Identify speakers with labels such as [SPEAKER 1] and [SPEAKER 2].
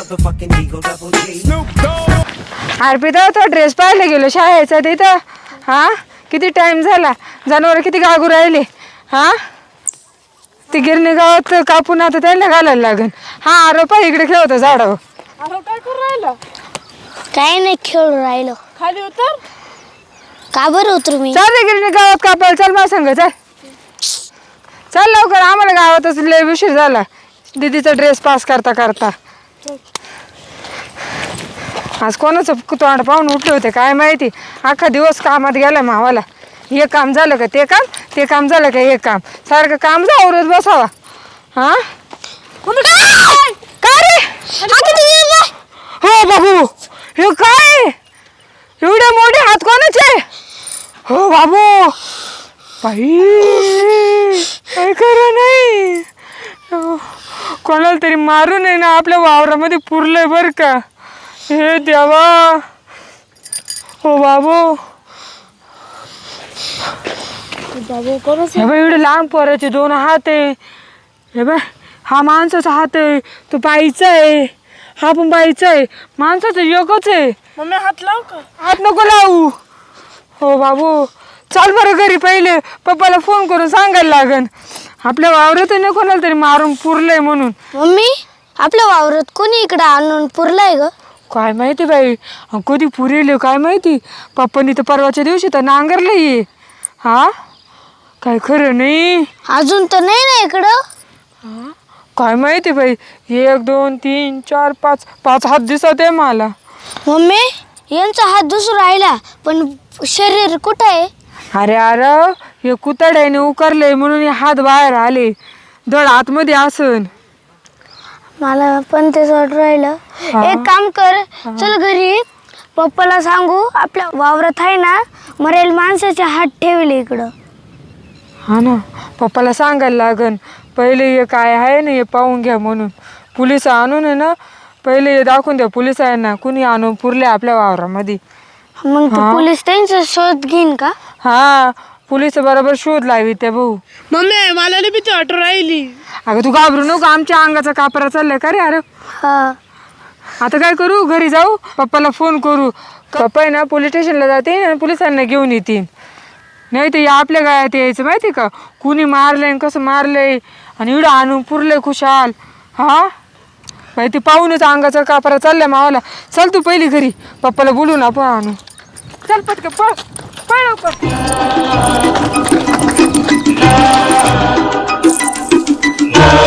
[SPEAKER 1] अर्पिता तो ड्रेस पाहायला गेलो शाळेचा तिथं. हा किती टाइम झाला, जनावर किती गागू राहिले. हा ती गिरणी गावात कापून आता त्यांना घालायला लागेल. हा आरोपा इकडे खेळतो झाडावर.
[SPEAKER 2] अरे काय करू राहिला?
[SPEAKER 3] काय नाही खेळू राहिलो.
[SPEAKER 2] खाली उतर.
[SPEAKER 3] का बरं उतरू मी?
[SPEAKER 1] चल रे गिरणी गावात कापायला, चल मला सांग. चल चल लवकर, आम्हाला गावातच लय उशीर झाला दीदीचा ड्रेस पास करता करता. आज कोणाचं तोंड पाहून उठले होते काय माहिती. अख्खा दिवस कामात गेला मावाला. हे काम झालं का ते काम, ते काम झालं का हे काम, सारखं काम जावरच बसावा. हा काय रे? हो बाबू, हे काय एवढे मोठे हात कोणाचे? हो बाबू, बाई काय करा नाही, कोणाला तरी मारू नये ना, आपल्या वावरामध्ये पुरलंय बर का. हे देवा. हो बाबू, हे बाई एवढे लहान पोराचे दोन हात आहे. हे बाय, हा माणसाचा हात आहे, तो बाईचा आहे, हा पण बाईचा आहे, माणसाचं एकच आहे.
[SPEAKER 2] मम्मी हात लाव का?
[SPEAKER 1] हात नको लावू. हो बाबू, चाल बरं घरी, पहिले पप्पाला फोन करून सांगायला लागन आपल्या वावरात नाही कोणाला तरी मारून पुरलंय म्हणून.
[SPEAKER 3] मम्मी, आपल्या वावरात कोणी इकडे आणून पुरलाय ग?
[SPEAKER 1] काय माहिती बाई, कधी पुरेल काय माहिती. पप्पांनी तर परवाच्या दिवशी तर नांगरलंय. हा काय खरं नाही.
[SPEAKER 3] अजून तर नाही ना इकडं.
[SPEAKER 1] काय माहिती बाई. 1 2 3 4 5 5 हात दिसत आहे मला.
[SPEAKER 3] मम्मी, यांचा हात दुसरा राहिला पण शरीर कुठं आहे?
[SPEAKER 1] अरे अरे, हे कुतड्याने उकरले म्हणून हे हात बाहेर आले. धड आतमध्ये असन.
[SPEAKER 3] मला पण तेच वाटून राहिलं. एक काम कर, चल घरी पप्पाला सांगू आपल्या वावरात आहे ना मरेल माणसाचे हात ठेवले इकडं.
[SPEAKER 1] हा ना, पप्पाला सांगायला लागन पहिले हे काय आहे ना हे पाहून घ्या म्हणून. पोलिस आणून आहे ना, पहिले हे दाखवून द्या पोलिसांना कुणी आणून पुरले आपल्या वावरामध्ये.
[SPEAKER 3] मग ते पोलीस त्यांचा शोध घेईन का?
[SPEAKER 1] हा, पोलिस बरोबर शोध लावी त्या भाऊ.
[SPEAKER 2] मम्मी मला लई भीती वाटू राहिली.
[SPEAKER 1] अगं तू घाबरू नको, आमच्या अंगाचा कापरा चाललाय का रे. अरे
[SPEAKER 3] हा,
[SPEAKER 1] आता काय करू, घरी जाऊ पप्पाला फोन करू. पप्पा आहे ना पोलीस स्टेशनला जाते आणि पोलिसांना घेऊन येतील. नाही तर आपल्या गायात यायचं माहिती का, कुणी मारलंय कसं मारलंय आणि एवढं आणून पुरलंय खुशाल. हा बाई, ती पाहूनच अंगाचा कापरा चाललाय मावाला. चल तू पहिली घरी, पप्पाला बोलून आपण आणू. चल पटकन पळ, पळ लवकर.